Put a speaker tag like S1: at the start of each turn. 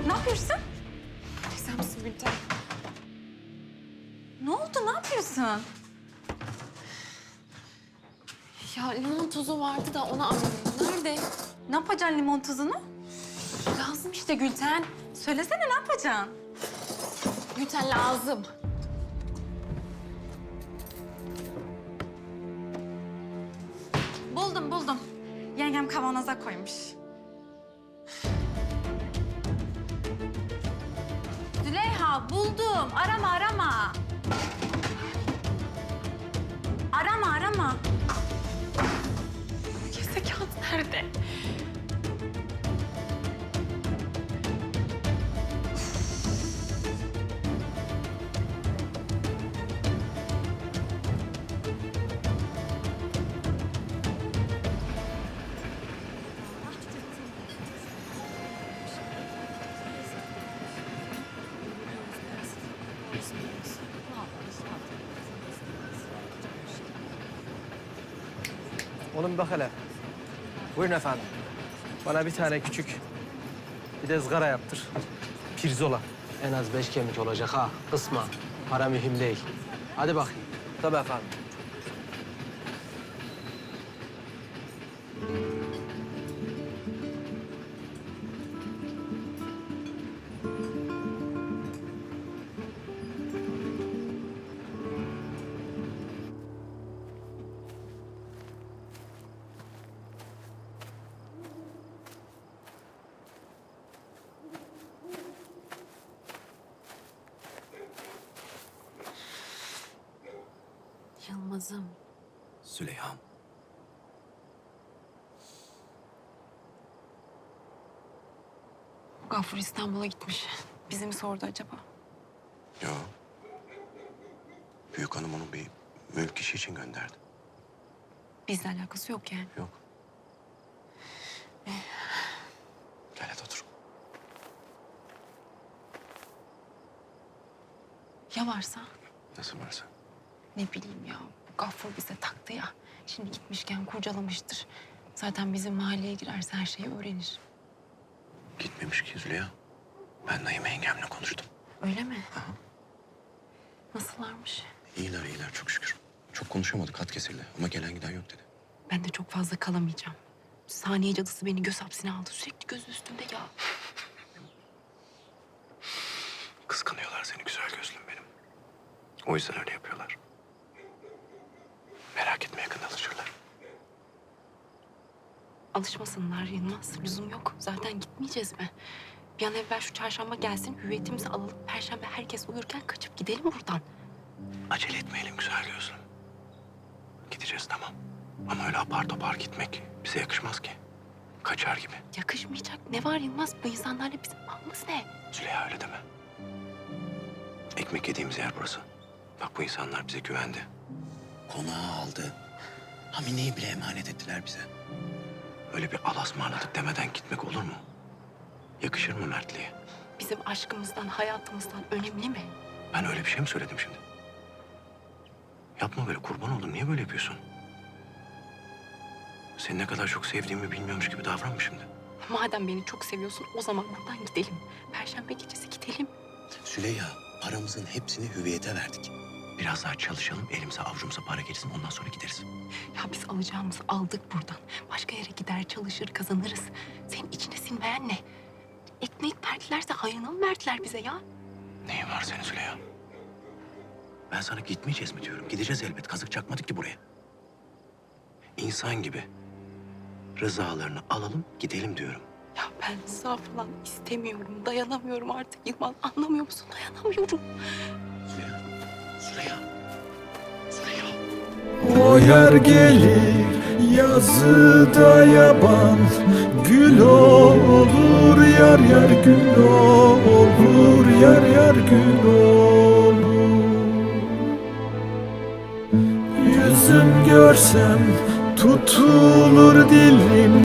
S1: Ne yapıyorsun?
S2: Sen misin Gülten?
S1: Ne oldu? Ne yapıyorsun?
S2: Ya limon tuzu vardı da onu arıyorum. Nerede?
S1: Ne yapacaksın limon tuzunu?
S2: Lazım işte Gülten.
S1: Söylesene ne yapacaksın?
S2: Gülten lazım.
S1: Buldum. Yengem kavanoza koymuş. Züleyha buldum. Arama. Arama.
S2: Kese kağıt nerede?
S3: Oğlum bir bak hele. Buyurun efendim. Bana bir tane küçük, bir de ızgara yaptır. Pirzola. En az 5 kemik olacak ha. Kısma. Para mühim değil. Hadi bakayım. Tabii efendim.
S2: Yılmaz'ım.
S4: Züleyha'm.
S2: Gafur İstanbul'a gitmiş. Bizi mi sordu acaba?
S4: Yo. Büyük hanım onu bir mülk işi için gönderdi.
S2: Bizle alakası yok yani.
S4: Yok. Gel hadi otur.
S2: Ya varsa?
S4: Nasıl varsa.
S2: Ne bileyim ya. Gafur bize taktı ya. Şimdi gitmişken kurcalamıştır. Zaten bizim mahalleye girerse her şeyi öğrenir.
S4: Gitmemiş ki Züleyha. Ben Naime yengemle konuştum.
S2: Öyle mi? Nasıllarmış?
S4: İyiler çok şükür. Çok konuşamadık, hat kesildi ama gelen giden yok dedi.
S2: Ben de çok fazla kalamayacağım. Saniye cadısı beni göz hapsine aldı. Sürekli gözü üstünde ya.
S4: Kıskanıyorlar seni güzel gözlüm benim. O yüzden öyle yapıyorlar. Merak etme yakında alışırlar.
S2: Alışmasınlar Yılmaz. Lüzum yok. Zaten gitmeyeceğiz mi? Bir an evvel şu çarşamba gelsin, hüviyetimizi alalım. Perşembe herkes uyurken kaçıp gidelim buradan.
S4: Acele etmeyelim güzel gözlüm. Gideceğiz tamam. Ama öyle apar topar gitmek bize yakışmaz ki. Kaçar gibi.
S2: Yakışmayacak. Ne var Yılmaz? Bu insanlarla bizim bağımız ne?
S4: Züleyha öyle deme. Ekmek yediğimiz yer burası. Bak bu insanlar bize güvendi. Konağı aldı. Hamine'yi bile emanet ettiler bize. Öyle bir alasmarladık demeden gitmek olur mu? Yakışır mı mertliğe?
S2: Bizim aşkımızdan, hayatımızdan önemli mi?
S4: Ben öyle bir şey mi söyledim şimdi? Yapma böyle kurban oldum. Niye böyle yapıyorsun? Seni ne kadar çok sevdiğimi bilmiyormuş gibi davranma şimdi.
S2: Madem beni çok seviyorsun, o zaman buradan gidelim. Perşembe gecesi gidelim.
S4: Züleyha, paramızın hepsini hüviyete verdik. Biraz daha çalışalım, elimize avucumuza para gelsin, ondan sonra gideriz.
S2: Ya biz alacağımızı aldık buradan. Başka yere gider, çalışır, kazanırız. Senin içine sinmeyen ne? Ekmek verdilerse hayrına mı verdiler bize ya?
S4: Neyin var senin Züleyha? Ben sana gitmeyeceğiz mi diyorum. Gideceğiz elbet. Kazık çakmadık ki buraya. İnsan gibi rızalarını alalım, gidelim diyorum.
S2: Ya ben rıza falan istemiyorum. Dayanamıyorum artık Yılmaz. Anlamıyor musun? Dayanamıyorum.
S4: Züleyha, Züleyha, Züleyha.
S5: O yer gelir yazıda yaban, gül olur yar yar gül olur yar yar gül olur. Yüzüm görsem tutulur dilim.